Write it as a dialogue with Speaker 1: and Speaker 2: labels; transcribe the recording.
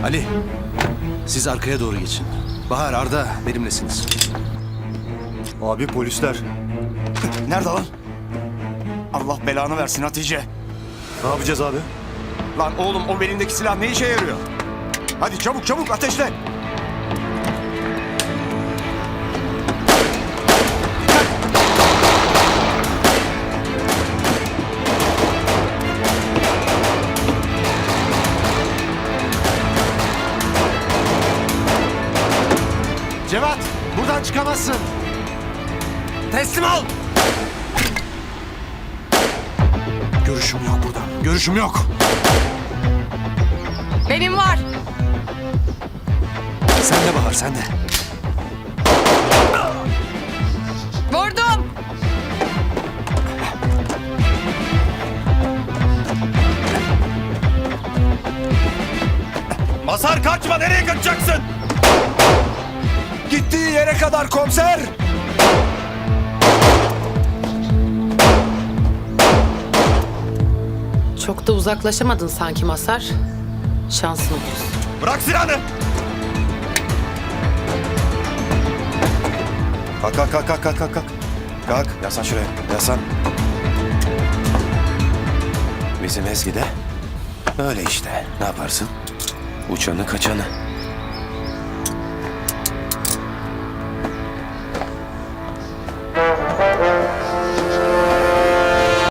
Speaker 1: Ali, siz arkaya doğru geçin. Bahar, Arda benimlesiniz.
Speaker 2: Abi polisler.
Speaker 3: Nerede lan? Allah belanı versin Hatice.
Speaker 2: Ne yapacağız abi?
Speaker 3: Lan oğlum o belindeki silah ne işe yarıyor? Hadi çabuk çabuk ateşle.
Speaker 1: Cevat, buradan çıkamazsın. Teslim ol. Görüşüm yok buradan. Görüşüm yok.
Speaker 4: Benim var.
Speaker 1: Sen de Bahar, sen de.
Speaker 4: Vurdum.
Speaker 3: Mazhar kaçma, nereye kaçacaksın? Gittiği yere kadar komiser.
Speaker 4: Çok da uzaklaşamadın sanki Mazhar. Şansın olsun.
Speaker 3: Bırak silahını. Kalk kalk kalk kalk kalk kalk. Kalk yaslan şuraya, yaslan. Bizim Ezgi de öyle işte, ne yaparsın? Uçanı kaçanı.